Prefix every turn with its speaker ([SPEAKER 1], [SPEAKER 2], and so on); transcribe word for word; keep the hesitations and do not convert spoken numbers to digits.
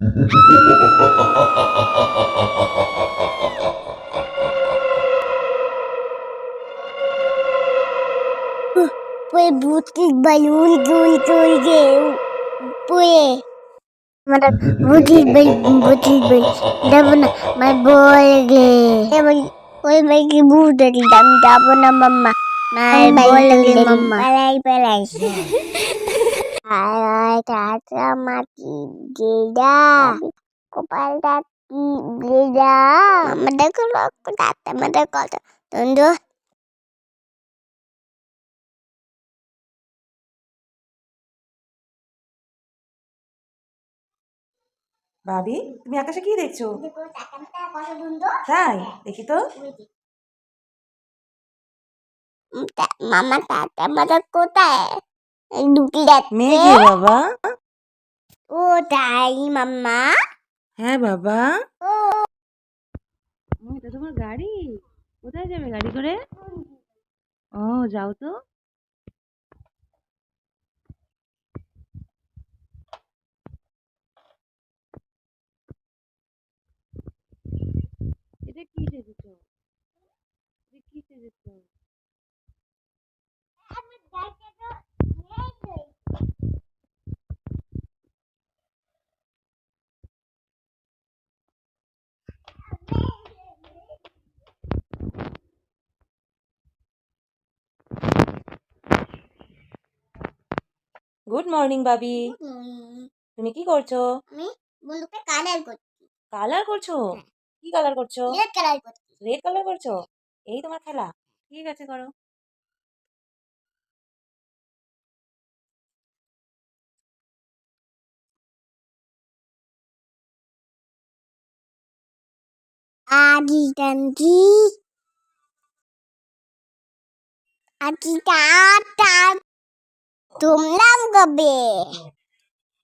[SPEAKER 1] Puede butir balón gol gol gol. Puede. Mara butir bal butir bal. Dabna my boy ge. Emang Oi mai ki butir dam dabna mama. My boy ge mama. Palai palai. Ay tata mati geda. Kopal tati geda. Mama dah kalau aku tata mama kalau tunduh.
[SPEAKER 2] ভাবি তুমি আকাশে কি দেখছো? তাই দেখি তো।
[SPEAKER 1] মামা তাতা মারা কোথায় ঢুকে যাচ্ছে
[SPEAKER 2] মেঘে বাবা।
[SPEAKER 1] ও তাই মাম্মা।
[SPEAKER 2] হ্যাঁ বাবা।
[SPEAKER 1] ও
[SPEAKER 2] এটা তোমার গাড়ি? কোথায় যাবে গাড়ি করে? ও যাও তো। এটা কি সেজেছো? এটা কি সেজেছো? গুড মর্নিং বাবি। তুমি কি করছো?
[SPEAKER 1] আমি বন্ধুকে কালার করছি।
[SPEAKER 2] কালার করছো? কি কালার করছো?
[SPEAKER 1] রেড কালার করছি।
[SPEAKER 2] রেড কালার করছো? এই তোমার খেলা? ঠিক আছে করো।
[SPEAKER 1] আদি টানকি আদি টা টা তুমলাম কবে